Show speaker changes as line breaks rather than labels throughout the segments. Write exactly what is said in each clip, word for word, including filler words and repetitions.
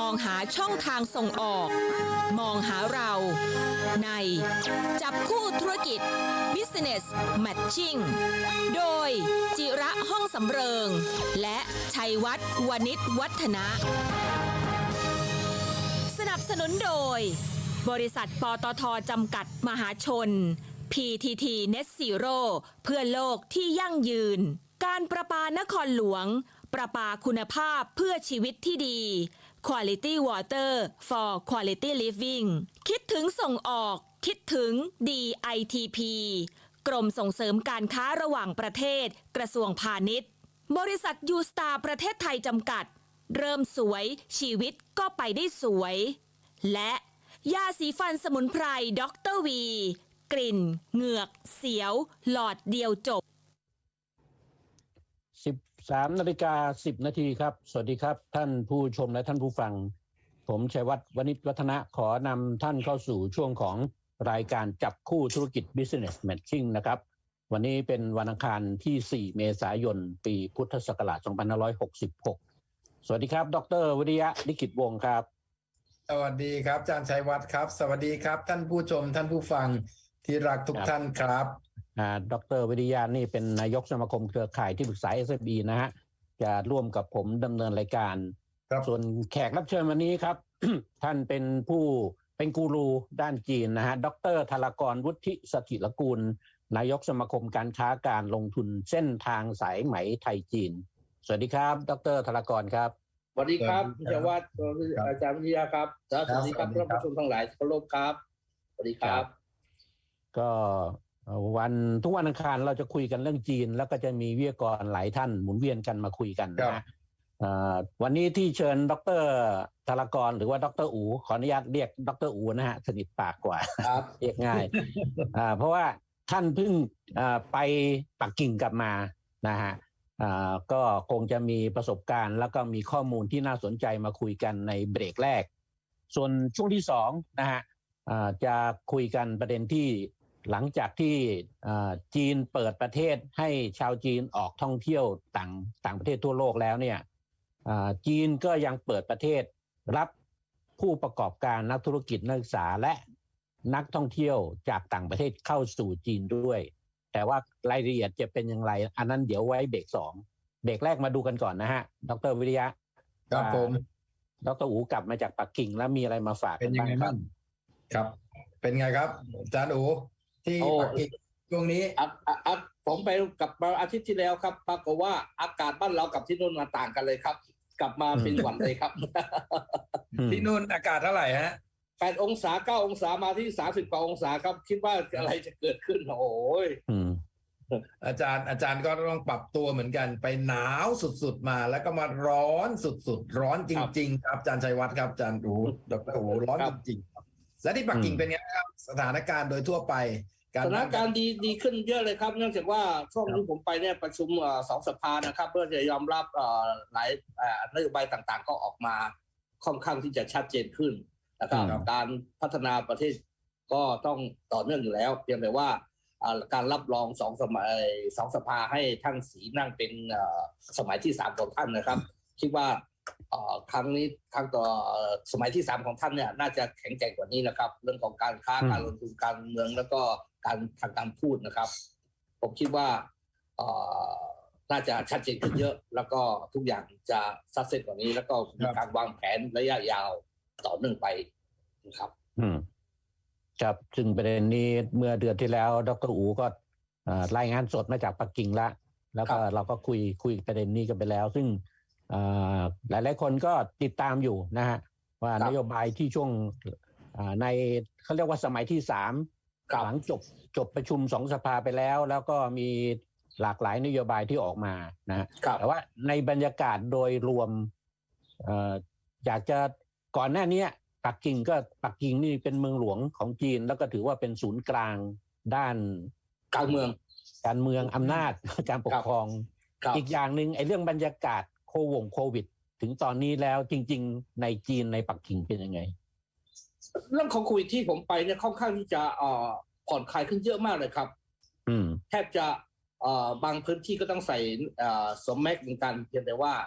องหาช่องทางส่งออกมองหาเราในจับคู่ธุรกิจ Business Matching โดยจิระห้องสำเริงและชัยวัฒน์วณิชวัฒนะสนับสนุนโดยบริษัทปตท.จำกัดมหาชน พี ที ที Net Zero เพื่อโลกที่ยั่งยืนการประปานครหลวงประปาคุณภาพเพื่อชีวิตที่ดี Quality Water for Quality Living คิดถึงส่งออกคิดถึง ดี ไอ ที พี กรมส่งเสริมการค้าระหว่างประเทศกระทรวงพาณิชย์บริษัทยูสตาร์ประเทศไทยจำกัดเริ่มสวยชีวิตก็ไปได้สวยและยาสีฟันสมุนไพรด็อกเตอร์วีกลิ่นเหงือกเสียวหลอดเดียวจบ
สิบสามนาฬิกาสิบนาทีครับสวัสดีครับท่านผู้ชมและท่านผู้ฟังผมชัยวัฒน์วณิชวัฒนะขอนำท่านเข้าสู่ช่วงของรายการจับคู่ธุรกิจ Business Matching นะครับวันนี้เป็นวันอังคารที่สี่เมษายนปีพุทธศักราชสองพันห้าร้อยหกสิบหกสวัสดีครับดร.วิริยะลิขิตวงศ์ครับ
สวัสดีครับอาจารย์ชัยวัฒน์ครับสวัสดีครับท่านผู้ชมท่านผู้ฟังที่รักทุกท่านครับ
อ่าดร.วิริยะนี่เป็นนายกสมาคมเครือข่ายที่ปรึกษา เอส เอฟ อี นะฮะจะร่วมกับผมดำเนินรายการส่วนแขกรับเชิญวันนี้ครับ ท่านเป็นผู้เป็นกูรูด้านจีนนะฮะดร.ธารกรวุฒิสถิรกูลนายกสมาคมการค้าการลงทุนเส้นทางสายไหมไทยจีนสวัสดีครับดร.ธารกรครับ
สวัสดีครับคุณชัยวัฒน์อาจารย์วิทยาครับสวัสดีครับท่านผู้ชมทั้งหลายเคารพครับสวัสดีครับ
ก็วันทุกวันอังคารเราจะคุยกันเรื่องจีนแล้วก็จะมีวิทยากรหลายท่านหมุนเวียนกันมาคุยกันนะฮะวันนี้ที่เชิญดร.ธารกรหรือว่าดร.อูขออนุญาตเรียกดร.อูนะฮะสนิทปากกว่าเรียกง่ายเพราะว่าท่านเพิ่งไปปักกิ่งกลับมานะฮะก็คงจะมีประสบการณ์แล้วก็มีข้อมูลที่น่าสนใจมาคุยกันในเบรกแรกส่วนช่วงที่สองนะฮะจะคุยกันประเด็นที่หลังจากที่จีนเปิดประเทศให้ชาวจีนออกท่องเที่ยวต่างต่างประเทศทั่วโลกแล้วเนี่ยจีนก็ยังเปิดประเทศรับผู้ประกอบการนักธุรกิจนักศึกษาและนักท่องเที่ยวจากต่างประเทศเข้าสู่จีนด้วยแต่ว่ารายละเอียดจะเป็นอย่างไรอันนั้นเดี๋ยวไว้เบรกสองเบรกแรกมาดูกันก่อนนะฮะดร.วิริยะ
ครับผม
ดร.อูกลับมาจากปักกิ่งแล้วมีอะไรมาฝาก
เป็นยังไงบ้างครับเป็นไงครับอาจารย์อูที่ปักกิ่งช่วงนี้
ผมไปกับอาทิตย์ที่แล้วครับปรากฏว่าอากาศบ้านเรากับที่นู่นมาต่างกันเลยครับกลับมาเป็นหวัดเลยครับ
ที่นู่นอากาศเท่าไหร่ฮะ
แปดองศาเก้าองศามาที่สามสิบกว่าองศาครับคิดว่าอะไรจะเกิดขึ้นโอ้ย
อาจารย์อาจารย์ก็ต้องปรับตัวเหมือนกันไปหนาวสุดๆมาแล้วก็มาร้อนสุดๆร้อนจริงๆครับอาจารย์ชัยวัฒน์ครับอาจารย์อูดร.อูร้อนจริงๆและที่ปักกิ่งเป็นไงครับสถานการณ์โดยทั่วไป
สถานการณ์ดีดีขึ้นเยอะเลยครับเนื่องจากว่าช่วงที่ผมไปเนี่ยประชุมสองสภานะครับเพื่อจะยอมรับหลายนโยบายต่างๆก็ออกมาค่อนข้างที่จะชัดเจนขึ้นนะครับการพัฒนาประเทศก็ต้องต่อเนื่องอยู่แล้วเพียงแต่ว่าการรับรองสองสมัยสองสภาให้ท่านสีนั่งเป็นสมัยที่สามของท่านนะครับคิดว่าครั้งนี้ครั้งต่อสมัยที่สามของท่านเนี่ยน่าจะแข็งแกร่งกว่านี้นะครับเรื่องของการค้าการลงทุนการเมืองแล้วก็การทางการพูดนะครับผมคิดว่าน่าจะชัดเจนขึ้นเยอะแล้วก็ทุกอย่างจะซักเซสกว่านี้แล้วก็มีการวางแผนระยะยาวต่อเนื่องไปนะครับ
อืมครับซึ่งประเด็นนี้เมื่อเดือนที่แล้วดร.อูก็รายงานสดมาจากปักกิ่งแล้วแล้วก็เราก็คุยคุยประเด็นนี้กันไปแล้วซึ่งหลายหลายคนก็ติดตามอยู่นะฮะว่านโยบายที่ช่วงในเขาเรียกว่าสมัยที่สามหลังจบจบประชุมสองสภาไปแล้วแล้วก็มีหลากหลายนโยบายที่ออกมานะแต่ว่าในบรรยากาศโดยรวมอยากจะก่อนหน้านี้ปักกิ่งก็ปักกิ่งนี่เป็นเมืองหลวงของจีนแล้วก็ถือว่าเป็นศูนย์กลางด้าน
การเมือง
การเมืองอำนาจการปกครองอีกอย่างหนึ่งไอ้เรื่องบรรยากาศโควงโควิดถึงตอนนี้แล้วจริงๆในจีนในปักกิ่งเป็นยังไง
เรื่องของโควิดที่ผมไปเนี่ยค่อนข้างที่จะผ่อนคลายขึ้นเยอะมากเลยครับแทบจะบางพื้นที่ก็ต้องใส่สวมแมสก์เหมือนกันเพียงแต่ว่า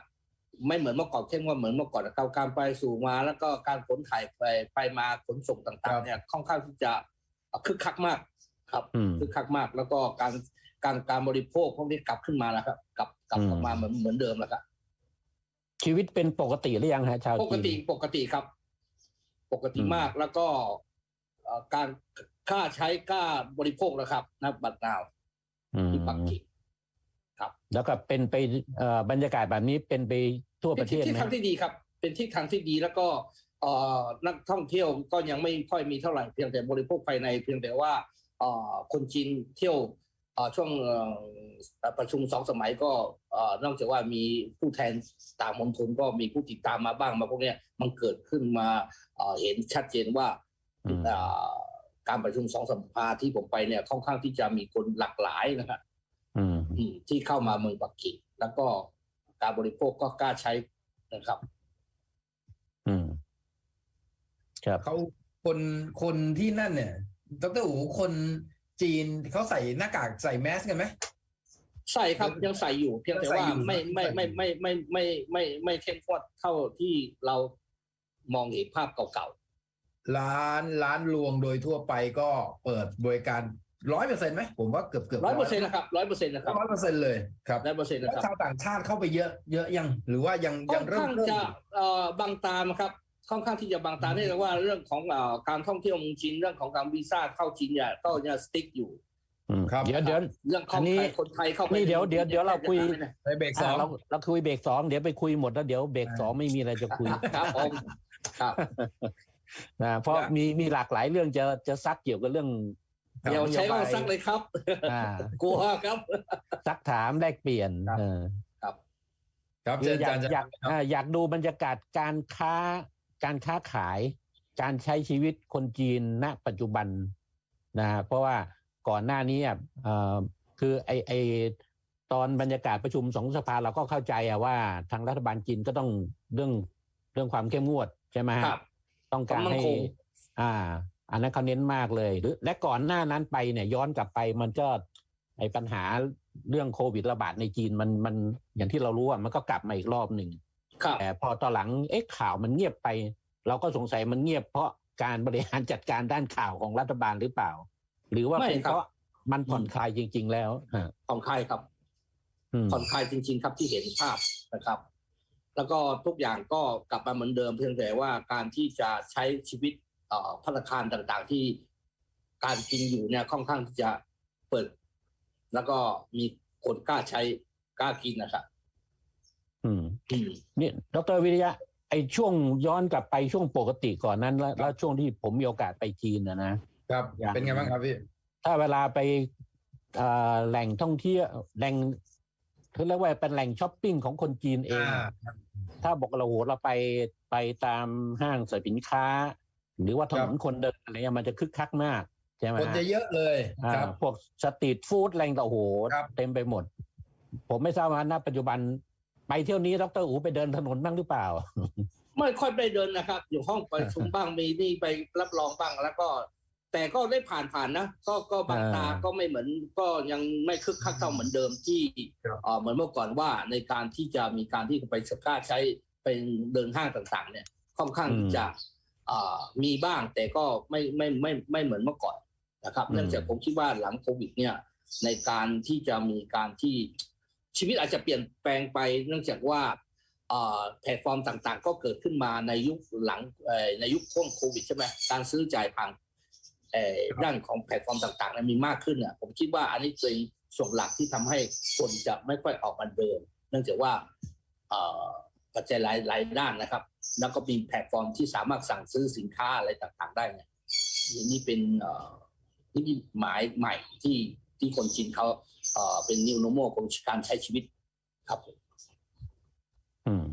ไม่เหมือนเมื่อก่อนเข้มงวดเหมือนเมื่อก่อนนะครับการไปสู่มาแล้วก็การขนถ่ายไปไปมาขนส่งต่างๆเนี่ยค่อนข้างที่จะคึกคักมากครับ
อืม
คึกคักมาก แล้วก็การการการบริโภคพวกนี้กลับขึ้นมาแล้วครับกลับกลับออกมาเหมือนเหมือนเดิมแล้วครับ
ชีวิตเป็นปกติหรือยังฮะชาว
ปก
จีน
ติปกติครับ ปกติมากแล้วก็เอ่อการกล้าใช้กล้าบริโภคนะครับนะบัตรนาว
อืม
ที่ปักกิ่ง
แล้วก็เป็นไปเอ่อบรรยากาศแบบนี้เป็นไปทั่วประเทศ
ที่
ไหม
ทางที่ดีครับ เป็นที่ทางที่ดีแล้วก็เอ่อนักท่องเที่ยวก็ยังไม่ค่อยมีเท่าไหร่เพียงแต่บริโภคภายในเพียงแต่ว่าเอ่อคนจีนเที่ยวเอ่อช่วงเอ่อประชุมสองสมัยก็เอ่อนอกจากว่ามีผู้แทนต่างมณฑลก็มีผู้ติดตามมาบ้างมาพวกเนี้ยมันเกิดขึ้นมาเอ่อเห็นชัดเจนว่า
อืม
เอ่อการประชุมสองสภาที่ผมไปเนี่ยค่อนข้างที่จะมีคนหลากหลายนะครับ
อืม
อืมที่เข้ามาเมืองปักกิ่งแล้วก็การบริโภคก็กล้าใช้นะครับ
อืมครับ
เขาคนคนที่นั่นเนี่ยดรอู๋คนจีนเขาใส่หน้ากากใส่แมสกันไหม
ใส่ครับยังใส่อยู่ เพียงแต่ว่าไม่ไม่ไม่ไม่ไม่ไม่ไม่ไม่เข้มข้นเท่าที่เรามองเห็นภาพเก่า
ร้านร้านรวงโดยทั่วไปก็เปิดบริการร้อยเปอร์เซ็นต์ไหมผมว่าเกือบเกือบ
ๆร้อยเปอร์เซ็นต์นะครับร้อยเปอร์เซ็นต์นะครับ
ร้อยเปอร์เซ็นต์เลยครับ
ร้อยเปอร์เซ็นต์
แล้ว
นะครับ
ชาวต่างชาติเข้าไปเยอะเยอะยังหรือว่ายัง
ค่
ยั
อง น
เริ่ม
ข้าง
เริ่ม
จะเอ่อบังตามครับค่อนข้างที่จะบังตาเนื่องจากว่าเรื่องของเอ่อการท่องเที่ยวเมืองจีนเรื่องของการวีซ่าเข้าจีนเนี่ยก็ยังสติ๊กอยู่
อืมเดี๋ยวเดี๋ยว
เรื่องข
อั
อง
นนี้
ไทยคนไทยเข้าไป
นี่เดี๋ยวเดี๋ยวเดี๋ยวเราคุย
ในเบรกสอ
อ่าง เราเราคุยเบรกสองเดี๋ยวไปคุยหมดแล้วเดี๋ยวเบรกสองไม่มีอะไรจะคุย
ครับผมครับ
นะเพราะมีมีหลากหลายเรื่องจะจะซักเกี่ยวกับเรื่อง
เดี๋ยวใช้ว่าซักเลยครับ
อ่าก
ลัวครับ
ซักถามแลกเปลี่ยน
ครับ
เออ
ครับ
คื
เชิ
อ
ญ
อยา
อาก จารย์
อยาก
ครับ
อ่าอยากดูบรรยากาศการค้าการค้าขาย การใช้ชีวิตคนจีนณปัจจุบันนะฮะเพราะว่าก่อนหน้านี้อ่ะเอ่อคือไอไอตอนบรรยากาศประชุมสองสภาเราก็เข้าใจอะว่าทางรัฐบาลจีนก็ต้องเรื่องเรื่องความเข้มงวดใช่ไหมฮะ
ครับ
ต้องการให้
ความมั่นคง
อ่า อันนั้นเขาเน้นมากเลยหรือและก่อนหน้านั้นไปเนี่ยย้อนกลับไปมันก็ไอปัญหาเรื่องโควิดระบาดในจีนมันมันอย่างที่เรารู้อ่ะมันก็กลับมาอีกรอบหนึ่ง
ครับ
แต่พอตอนหลังเอ๊ะข่าวมันเงียบไป เราก็สงสัยมันเงียบเพราะการบริหารจัดการด้านข่าวของรัฐบาลหรือเปล่า หรือว่า
ไม่
เป็น
ครับ
เพราะมันผ่อนคลายจริง ๆ แล้วฮะ
ผ่อนคลายครับ
อืม
ผ่อนคลายจริง ๆ ครับที่เห็นภาพนะครับ แล้วก็ทุกอย่างก็กลับมาเหมือนเดิมเพียงแต่ว่าการที่จะใช้ชีวิตเอ่อภัตตาคารต่างๆ ที่การกินอยู่เนี่ยค่อนข้างที่จะเปิด แล้วก็มีคนกล้าใช้กล้ากินนะครับ
อืม
อืม
นี่ดรวิริยะไอช่วงย้อนกลับไปช่วงปกติก่อนนั้นแล้วแล้วช่วงที่ผมมีโอกาสไปจีนนะนะ
ครับ
อย่าง
เป็นไงบ้างครับพี่
ถ้าเวลาไปเอ่อแหล่งท่องเที่ยวแหล่งเขาเรียกว่าเป็นแหล่งช้อปปิ้งของคนจีนเอง
อ่า
ถ้าบอกเราโหเราไปไปตามห้างสรรพสินค้า หรือว่าถนนคนเดินอะไรเงี้ยมันจะคึกคักมากใช่ไหม
คนจะเยอะเลยครับ
อ่าพวกสตรีทฟู้ดอะไรต่างๆโอ้โห
ครับ
เต็มไปหมด ผมไม่ทราบว่าณปัจจุบันไปเที่ยวนี้ดรอูไปเดินถนนบ้างหรือเปล่า
ไม่ค่อยได้เดินนะครับ อยู่ห้องประชุมบ้างมีนี่ไปรับรองบ้างแล้วก็ แต่ก็ได้ผ่านผ่านๆนะก็ก็บางตา
อ่า
ก็ไม่เหมือน ก็ยังไม่คึกคักเท่าเหมือนเดิมที่
ครับ
เอ่อเหมือนเมื่อก่อนว่าในการที่จะมีการที่ไปกล้าใช้เป็นเดินห้างต่างๆ เนี่ยค่อนข้างที่จะเอ่อมีบ้างแต่ก็ไม่ไม่ไม่ไม่เหมือนเมื่อก่อนนะครับ เนื่องจากผมคิดว่าหลังโควิด เนี่ยในการที่จะมีการที่ชีวิตอาจจะเปลี่ยนแปลงไป เนื่องจากว่าเอ่อแพลตฟอร์มต่างๆ ก็เกิดขึ้นมาในยุคหลังเอ่อในยุคช่วงโควิดใช่ไหมการซื้อจ่ายผ่านเอ่อด้านของแพลตฟอร์มต่างๆเนี่ยมีมากขึ้นอ่ะผมคิดว่าอันนี้เป็นส่วนหลักที่ทำให้คนจะไม่ค่อยออกมาเดิน เนื่องจากว่าเอ่อปัจจัยหลายหลายด้านนะครับ แล้วก็มีแพลตฟอร์มที่สามารถสั่งซื้อสินค้าอะไรต่างๆได้เนี่ยนี่เป็นเอ่อนิมิตหมายใหม่ที่ที่คนจีนเขาเอ่อเป็น new normal ของการใช้ชีวิตครับผม
อืม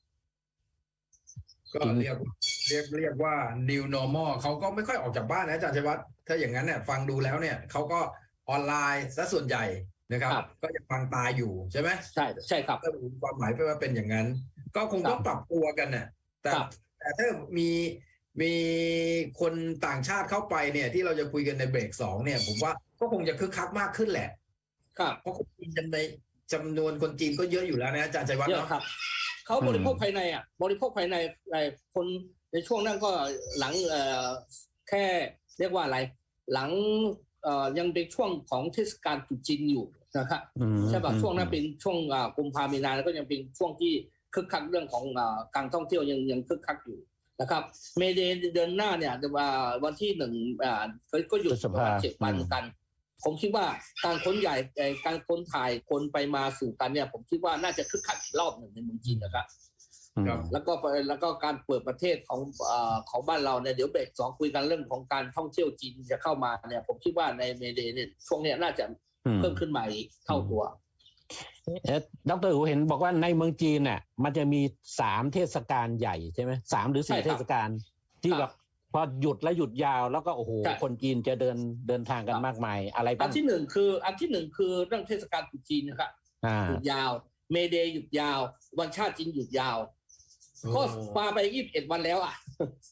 ก็เรียกเรียกเรียกว่า new normal เขาก็ไม่ค่อยออกจากบ้านนะอาจารย์ชัยวัฒน์ถ้าอย่างนั้นเนี่ยฟังดูแล้วเนี่ยเขาก็ออนไลน์ซะส่วนใหญ่นะครับ ก็ยังฟังตาอยู่ใช่ไหม
ใช่ใช่ครับ
ถ้าความหมายเป็นว่าเป็นอย่างนั้น ก็คงต้องปรับตัวกันน่ะแต่
ครับ
แต่ถ้ามีมีคนต่างชาติเข้าไปเนี่ย ที่เราจะคุยกันในเบรกสองเนี่ย ผมว่าก็คงจะคึกคักมากขึ้นแหละ
ครับ
เพราะคนจีนจำในจำนวนคนจีนก็เยอะอยู่แล้วนะอาจารย์ชัยวัฒน์
เย
เนาะ
อะครับเขาบริโภคภายในอ่ะบริโภคภายในไอ้คนในช่วงนั้นก็หลังเอ่อแค่เรียกว่าอะไรหลังเอ่อยังเป็นช่วงของเทศกาลตรุษจีนอยู่นะครับ
อืม
ใช่ป่ะ
อืม
ช่วงนั้นเป็นช่วงอ่ากุมภาพันธ์มีนาแล้วก็ยังเป็นช่วงที่คึกคักเรื่องของอ่าการท่องเที่ยวยังยังคึกคักอยู่นะครับเมเดย์เดือนหน้าเนี่ยว่าวันที่หนึ่งอ่าก็ก็หยุดประมาณเจ็ดวันกันผมคิดว่าการค้นใหญ่เอ่อการค้นถ่ายคนไปมาสู่กันเนี่ยผมคิดว่าน่าจะคึกคักอีกรอบหนึ่งในเมืองจีนนะครับ
ครับ
แล้วก็แล้วก็การเปิดประเทศของเอ่อของบ้านเราเนี่ยเดี๋ยวเบรกสองคุยกันเรื่องของการท่องเที่ยวจีนจะเข้ามาเนี่ยผมคิดว่าในเมเดย์เนี่ยช่วงเนี้ยน่าจะเพิ่มขึ้นมาอีกเท่าตัว
เอ๊ะดรอูเห็นบอกว่าในเมืองจีนน่ะมันจะมีสามเทศกาลใหญ่ใช่ไหมสามหรือสี่
ใช่ครับ
เทศกาลที่
ค
แบ
รับบ
พอหยุดแล้วหยุดยาวแล้วก็โอ้โห
ใช่
คนจีนจะเดินเดินทางกัน
ครับ
มากมายอะไร
อั
บ้าน ง
ที่หนึ่งคืออันที่หนึ่งคือเรื่องเทศกาลตรุษจีนนะครับ
อ่า
หยุดยาวเมเดย์หยุดยาว วันชาติจีนหยุดยาวก็ปาไปยี่สิบเอ็ดวันแล้วอ่ะ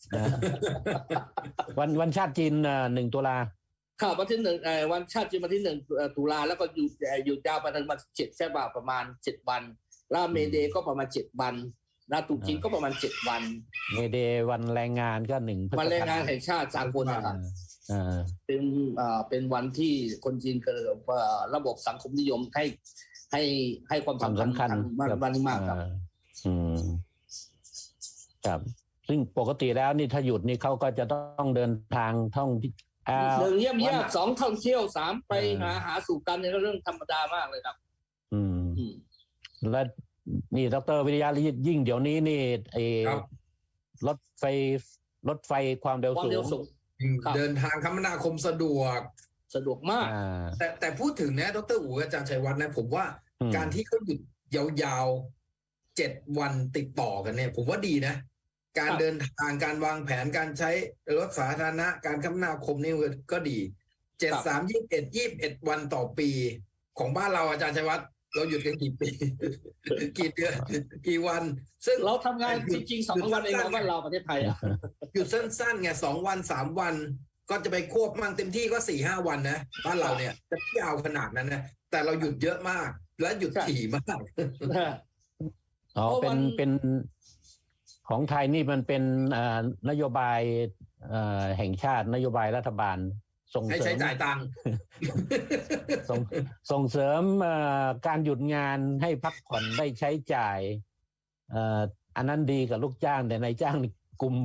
วันวันชาติจีนเอ่อหนึ่งตุลา
ค่ะวันที่หนึ่งเอ่อวันชาติจีนวันที่หนึ่งเอ่อตุลาแล้วก็หยุดเอ่อหยุดยาวไปถึงวันเจ็ดใช่ป่ะประมาณเจ็ดวันแล้วเมเดย์ก็ประมาณเจ็ดวันแล้วตรุษจีนก็ประมาณเจ็ดวัน
เมเดย์วันแรงงานก็หนึ่งพฤษภา
วันแรงงานแห่งชาติสากลนะครับ
อ่า
เป็นเอ่อเป็นวันที่คนจีนเกิดเอ่อระบบสังคมนิยมให้ให้ให้ความ
ความ
สำคัญ
สำคัญ
มาก
กับ
วันนี้มากครับ
อ่อืมครับซึ่งปกติแล้วนี่ถ้าหยุดนี่เขาก็จะต้องเดินทางท่องที่อ่า
หนึ่งเยี่ยมเยี่ยม
วัน
สองท่องเที่ยวสามไป
เออ
หาหาสู่กันเนี่ยก็เรื่องธรรมดามากเลยครับ
อืม
อืม
และนี่ดรวิทยายิ่งเดี๋ยวนี้นี่ไอ้
ครับ
รถไฟรถไฟความเร็ว
ความ
สู
เร็ว
ง
สูง ครับ
เดินทางคมนาคมสะดวก
สะดวกมาก
อ่า
แต่แต่พูดถึงนะดรอู๋อาจารย์ชัยวัฒน์นะผมว่า
อืม
การที่เขาหยุดยาวๆเจ็ดวันติดต่อกันเนี่ย ผมว่าดีนะ การ
ครับ
เดินทางการวางแผนการใช้รถสาธารณะการคมนาคมนี่ก็ดีเจ็ดสามยี่สิบเอ็ดยี่สิบเอ็ดวันต่อปี ของบ้านเราอาจารย์ชัยวัฒน์เราหยุดกันกี่ปี กี่เดือนกี่วัน ซึ่ง
เราทำงาน
หยุ
จ
ด
ริงๆสองวันเอง
หยุ
นะ
ด
บ้านเราประเทศไทยอ่ะ
หยุดสั้นๆไงสองวันสามวัน ก็จะไปควบมั่งเต็มที่ก็สี่ห้าวันนะบ้านเราเนี่ยจะยาวขนาดนั้นนะแต่เราหยุดเยอะมาก และหยุด
ใช่
ถี่มาก
อ๋อ
เพราะ
เป็
วัน น
เป็นของไทยนี่มันเป็นเอ่อนโยบายเอ่อแห่งชาตินโยบายรัฐบาลส่ง
ให้
เสริ
ใช้
ม
จ่ายตังค์
ส่งส่งเสริมเอ่อการหยุดงานให้พักผ่อนได้ใช้จ่ายเอ่ออันนั้นดีกับลูกจ้างแต่นายจ้างนี่กลุ่ม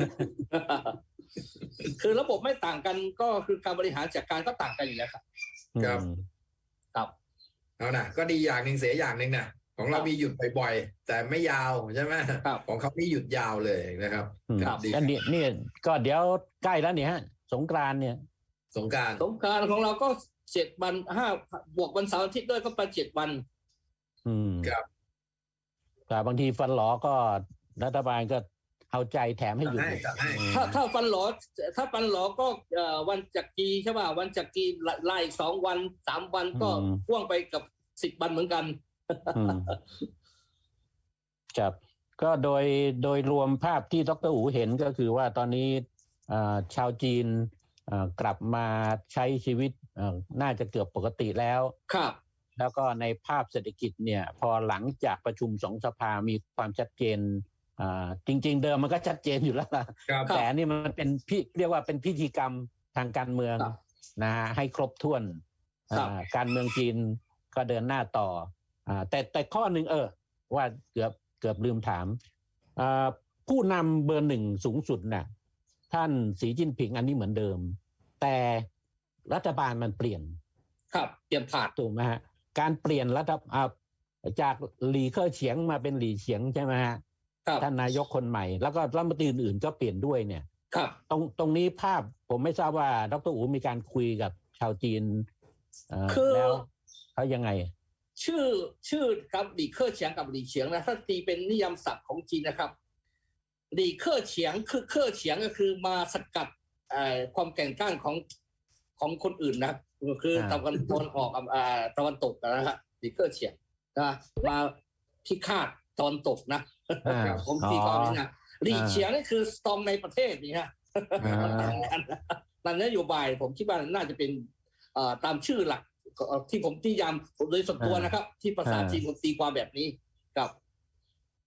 คือระบบไม่ต่างกันก็คือการบริหารจัดการก็ต่างกันอยู่แล้วครับ
ครับ
อืม
ครับ
เอานะก็ดีอย่างหนึ่งเสียอย่างหนึ่งนะของเรา
ครับ
มีหยุดบ่อยๆแต่ไม่ยาวใช่ไหม
ครับ
ของเขานี่หยุดยาวเลยนะครับ
อืม
ครับดี
อันนี้นี่ก็เดี๋ยวใกล้แล้วเนี่ยฮะ สงกรานต์เนี่ย
สงกราร
สงกรานต์ของเราก็เจ็ดวันห้าบวกวันเสาร์อาทิตย์ด้วยก็ไปเจ็ดวัน
อืม
ครับ
แต่บางทีฟันหลอก็รัฐบาลก็เอาใจแถมให้หยุด
ให้จัดให้
อืม
ถ้าถ้าฟันหลอถ้าฟันหลอก็เอ่อวันจักรีใช่ป่ะวันจักรีไล่สองวันสามวันก็พ่วงไปกับสิบวันเหมือนกัน
อืมครับก็โดยโดยรวมภาพที่ดรอูเห็นก็คือว่าตอนนี้อ่าชาวจีนอ่ากลับมาใช้ชีวิตอ่าน่าจะเกือบปกติแล้ว
ครับ
แล้วก็ในภาพเศรษฐกิจเนี่ยพอหลังจากประชุมสองสภามีความชัดเจนอ่าจริง ๆ เดิมมันก็ชัดเจนอยู่แล้วล่ะ
ครับ
แต่อันนี่มันเป็นพิเรียกว่าเป็นพิธีกรรมทางการเมือง
ครับ
นะฮะให้ครบถ้วน
ครับ
อ่าการเมืองจีนก็เดินหน้าต่ออ่าแต่แต่ข้อหนึ่งเออ ว่าเกือบเกือบลืมถามอ่าผู้นำเบอร์หนึ่งสูงสุดน่ะท่านสีจิ้นผิงอันนี้เหมือนเดิม แต่รัฐบาลมันเปลี่ยน
ครับเตรียมผ่าน
ถูกไหมฮะการเปลี่ยนรัฐอ่าจากหลีเค่อเฉียงมาเป็นหลีเฉียงใช่ไหมฮะ
ครับ
ท่านนายกคนใหม่ แล้วก็รัฐมนตรีอื่นๆก็เปลี่ยนด้วยเนี่ย
ครับ
ตรงตรงนี้ภาพผมไม่ทราบว่าดรอูมีการคุยกับชาวจีนเอ่อ
คือ
แล้วเขายังไง
ชื่อชื่อครับหลีเคอร์เฉียงกับหลีเฉียงนะถ้าตีเป็นนิยามศัพท์ของจีนนะครับหลีเคอร์เฉียงคือเคอร์เฉียงก็คือมาสกัดเอ่อความแก่งกล้านของของคนอื่นนะคือ
อ่า
ตะวันตอนออกกับอ่าตะวันตกนะฮะหลีเคอร์เฉียงนะมาพิฆาตตอนตกนะ
อ่า
ผมตีความนี้นะหลี
อ่า
เฉียงนี่คือสตอมในประเทศนี่ฮะ
อ่า
มันต่างกันนั่นนโยบายผมคิดว่าน่าจะเป็นเอ่อตามชื่อหลักเอ่อที่ผมนิยามโดยส่วนตัวนะครับ ที่ภาษาจีนผมตีความแบบนี้กับ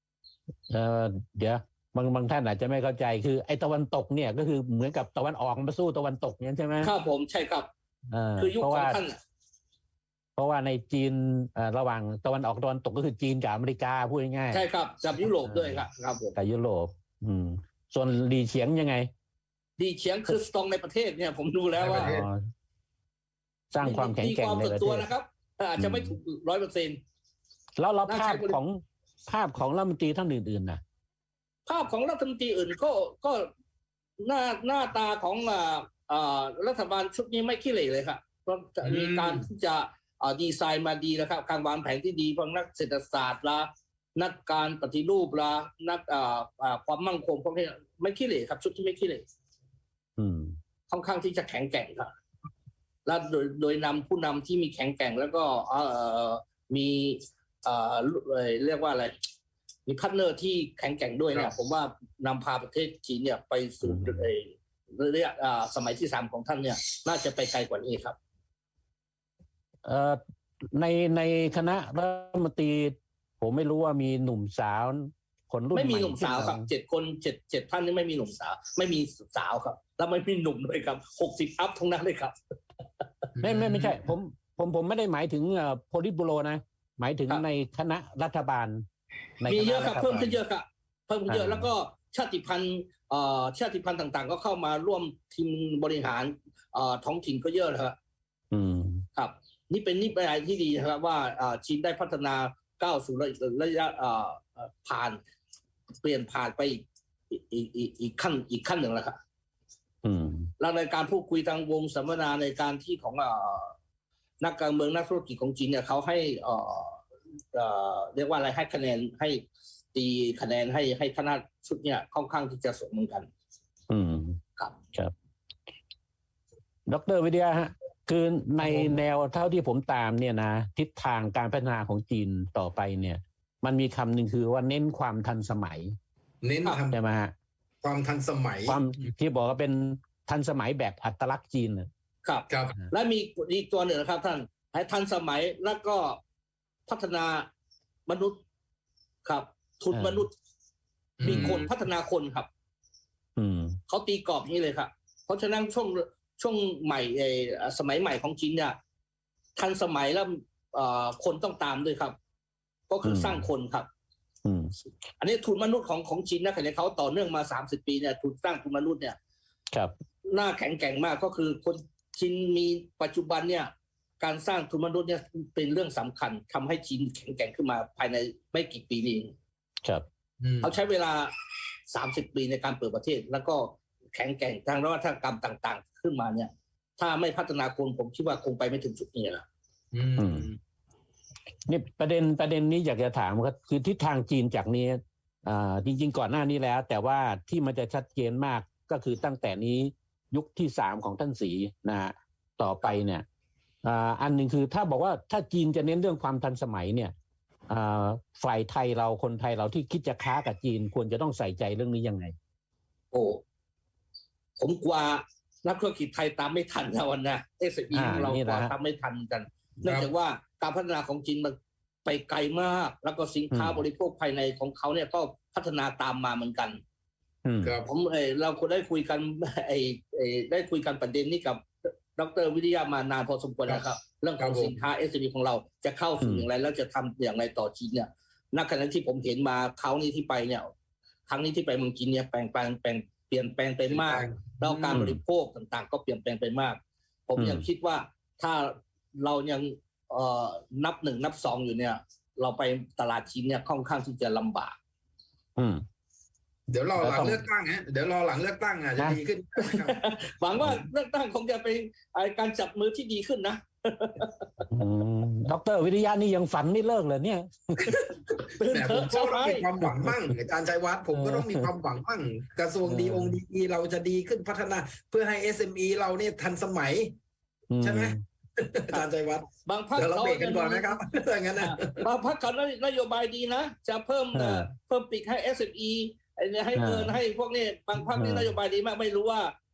เออเดี๋ยวบางบางท่านอาจจะไม่เข้าใจคือไอ้ตะวันตกเนี่ยก็คือเหมือนกับตะวันออกมาสู้ตะวันตกเนี่ยใช่ไหม
ครับผมใช่ครับ
เออ
คือยุค
เพราะ
ของ
ว่า
ท่าน
เพราะว่าในจีนเอ่อระหว่างตะวันออกตะวันตกก็คือจีนกับอเมริกาพูดง่ายๆ
ใช่ครับกับยุโรปด้วยครับครับผม
กับยุโรปอืมส่วนหลีเฉียงยังไง
ดีเฉียงคือสตรองในประเทศเนี่ยผมดูแล้วว่า
อ๋อสร้างความแข็งแกร่งใน
มี
ประ
ตัว
เทศ
นะครับอาจจะไม่ถูกร้อยเปอร์เซ็นต์
แล้วเรา
น่า
ภา
ใช้
พ
บริ
ของภาพของรัฐมนตรีท่านอื่นๆนะ
ภาพของรัฐมนตรีอื่นก็ก็หน้าหน้าตาของอ่าอ่ารัฐบาลชุดนี้ไม่ขี้เหร่เลยครับเพราะจะมีการที่จะอ่าดีไซน์มาดีนะครับการวางแผนที่ดีเพราะนักเศรษฐศาสตร์ละนักการปฏิรูปละนักอ่าอ่าความมั่งคงพวกนี้ไม่ขี้เหร่ครับชุดที่ไม่ขี้เหร่
อืม
ค่อนข้างที่จะแข็งแกร่งครับและโดยโดยนำผู้นำที่มีแข็งแกร่งแล้วก็เอ่อมีเอ่อเรียกว่าอะไรมีพาร์ทเนอร์ที่แข็งแกร่งด้วยเนี่ยผมว่านำพาประเทศจีนเนี่ยไปสู่ระยะสมัยที่สามของท่านเนี่ยน่าจะไปไกลกว่านี้ครับ
เอ่อในในคณะรัฐมนตรีผมไม่รู้ว่ามีหนุ่มสาวคนรุ่น
ไม่มี
ใ
หนุ่มสาวครับเจ็ดคนเจ็ดเจ็ดท่านนี่ไม่มีหนุ่มสาว ไม่มีสาวครับแล้วไม่มีหนุ่มด้วยครับหกสิบอัพทั้งนั้นเลยครับ
ไม่ไม่ไม่ใช่ผมผมผมไม่ได้หมายถึงเอ่อโพลิตบูโรนะหมายถึง
ครับ
ในคณะรัฐบาลใน
มี
คณะ
เยอะครับ
ฐาล
เพิ่มขึ้นเยอะครับเพิ่มขึ้นเยอะ
อ่า
แล้วก็ชาติพันธุ์เอ่อชาติพันธุ์ต่างๆ ก็เข้ามาร่วมทีมบริหารเอ่อท้องถิ่นก็เยอะนะครับ
อืม
ครับ นี่เป็นนี่เป็นอะไรที่ดีนะครับว่าเอ่อจีนได้พัฒนาก้าวสู่ระยะเอ่อเอ่อผ่านเปลี่ยนผ่านไปอีกอีกอีกอีกขั้นอีกขั้นหนึ่งแล้วครับ
อืม
แล้วในการพูดคุยทางวงสัมมนาในการที่ของเอ่อนักการเมืองนักธุรกิจของจีนเนี่ยเขาให้เอ่อเอ่อเรียกว่าอะไรให้คะแนนให้ตีคะแนนให้ให้คณะชุดเนี่ยค่อนข้างที่จะสมเหมือนกัน
อืม
ครับ
ครับดร.วิทยาฮะคือในแนวเท่าที่ผมตามเนี่ยนะทิศทางการพัฒนาของจีนต่อไปเนี่ย มันมีคำหนึ่งคือว่าเน้นความทันสมัย
เน้นท
ใช่ไหมฮะ
ำความทันสมัย
ความที่บอกว่าเป็นทันสมัยแบบอัตลักษณ์จีนน่ะ
ครับ
ครับ
และมีอีกตัวหนึ่งนะครับท่านให้ทันสมัยแล้วก็พัฒนามนุษย์ครับ ทุนมนุษย์
อืม
มีคนพัฒนาคนครับ
อืม
เขาตีกรอบอย่างนี้เลยครับ เพราะฉะนั้นช่วงช่วงใหม่เอ่อสมัยใหม่ของจีนเนี่ยทันสมัยแล้วเอ่อคนต้องตามด้วยครับ ก็คือ
อืม
สร้างคนครับ
อืม
อันนี้ทุนมนุษย์ของของจีนนะขณะเขาต่อเนื่องมาสามสิบปีเนี่ยทุนสร้างทุนมนุษย์เนี่ย
ครับ
หน้าแข็งแกร่งมากก็คือคนจีนมีปัจจุบันเนี่ยการสร้างทุนมนุษย์เนี่ยเป็นเรื่องสำคัญทำให้จีนแข็งแกร่งขึ้นมาภายในไม่กี่ปีนี้
ครับ
อืม
เขาใช้เวลาสามสิบปีในการเปิดประเทศ แล้วก็แข็งแกร่งทางนวัตกรรมต่างๆ ขึ้นมาเนี่ย ถ้าไม่พัฒนาคนผมคิดว่าคงไปไม่ถึงจุดนี้แหละ
อืม
อืม นี่ประเด็นประเด็นนี้อยากจะถามครับคือทิศทางจีนจากนี้อ่าจริง ๆ ก่อนหน้านี้แล้ว แต่ว่าที่มันจะชัดเจนมากก็คือตั้งแต่นี้ยุคที่สามของท่านศรีนะฮะต่อไปเนี่ยอ่าอันหนึ่งคือถ้าบอกว่าถ้าจีนจะเน้นเรื่องความทันสมัยเนี่ยอ่าฝ่ายไทยเราคนไทยเราที่คิดจะค้ากับจีนควรจะต้องใส่ใจเรื่องนี้ยังไง
โอ้ผมกลัวนักธุรกิจไทยตามไม่ทันนะวันนะเอสบี
อ่า
ของเรา
นี่
ก
แห
ลั
ละ
ว
ฮะ
ตามไม่ทันกัน เนื่องจากว่าการพัฒนาของจีนมันไปไกลมาก แล้วก็สินค้า
อืม
บริโภคภายในของเขาเนี่ยก็พัฒนาตามมาเหมือนกัน
อืม
ครับ
ผมเออเราควรได้คุยกัน ไอเออได้คุยกันประเด็นนี้กับดร.วิทยามานานพอสมควรนะครับ เรื่องของ
ครับผม
สินค้า เอส เอ็ม อี ของเราจะเข้าสู่
อืม
อย่างไรแล้วจะทำอย่างไรต่อจีนเนี่ยณขณะที่ผมเห็นมาเขาวนี้ที่ไปเนี่ยครั้งนี้ที่ไปเมืองจีนเนี่ยแปลงแปลงแปลงเปลี่ยนแปลงไปมากแล้วการบริโภคต่างๆ ก็เปลี่ยนแปลงไปมาก ผม
อืม
ยังคิดว่าถ้าเรายังเอ่อนับหนึ่งนับสองอยู่เนี่ย เราไปตลาดจีนเนี่ยค่อนข้างที่จะลำบาก
อืม
เดี๋ยวรอหลั
แล้วต้อง
งเลือกตั้งฮะเดี๋ยวรอหลังเลือกตั้งอ่ะจะ
นะ
ดีขึ้นนะครับ
หวังว่าเลือกตั้งคงจะเป็นไอ้การจับมือที่ดีขึ้นนะ
อืมดร.วิทยานี่ยังฝันไม่เลิกเลยเนี่ย
ตื่น
แต่
เถ
ผม
อะ
ก็
เช้า
ต้อง
ไ
มีความหวังมั่งอาจารย์ชัยวัฒน์ผมก็ต้องมีความหวังมั่งกระทรวง
เออ
ดีองค์ดีเราจะดีขึ้นพัฒนา เพื่อให้ เอส เอ็ม อี เราเนี่ยทันสมัย ใช่ไหม อาจารย์ชัยวัฒน์
บางพรรค
เดี๋ยวเรา
เขา
เบรกกันก่อนนะครับถ้างั้นนะ
บางพรรคเขานโยบายดีนะ จะเพิ่ม
เออ
เอ่อเพิ่มปีกให้ เอส เอ็ม อี ไอ้เนี่ยให้
เออ
เงินให้พวกนี้บางพรรคนี่
เออ
นโยบายดีมากไม่รู้ว่า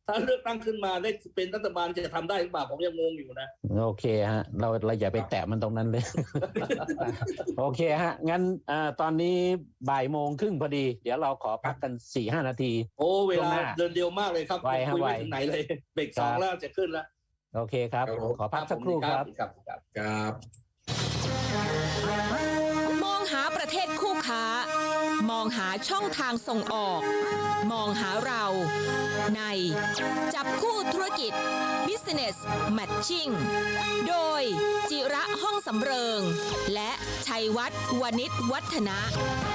ถ้าเลือกตั้งขึ้นมาได้เป็นรัฐบาลจะทำได้หรือเปล่าผมยังงงอยู่นะ
โอเคฮะเราเราอย่าไปแตะมันตรงนั้นเลย โอเคฮะงั้นอ่าตอนนี้บ่ายโมงครึ่งพอดี เดี๋ยวเราขอพักกันสี่ห้านาที
โอ้เว
ช่วง
ลา
หน้า
เดินเดียวมากเลยครับ
ไวฮะ
คุยไม่
ไว
ถึงไหนเลยเบรกสองแล้วจะขึ้นแล้ว
โอเคครับ ขอพักสักครู่ครับ
ครับครับ
ครับ
มองหาประเทศคู่ค้า มองหาช่องทางส่งออก มองหาเรา ในจับคู่ธุรกิจ Business Matching โดยจิระห้องสำเริง และชัยวัฒน์วณิชวัฒนะ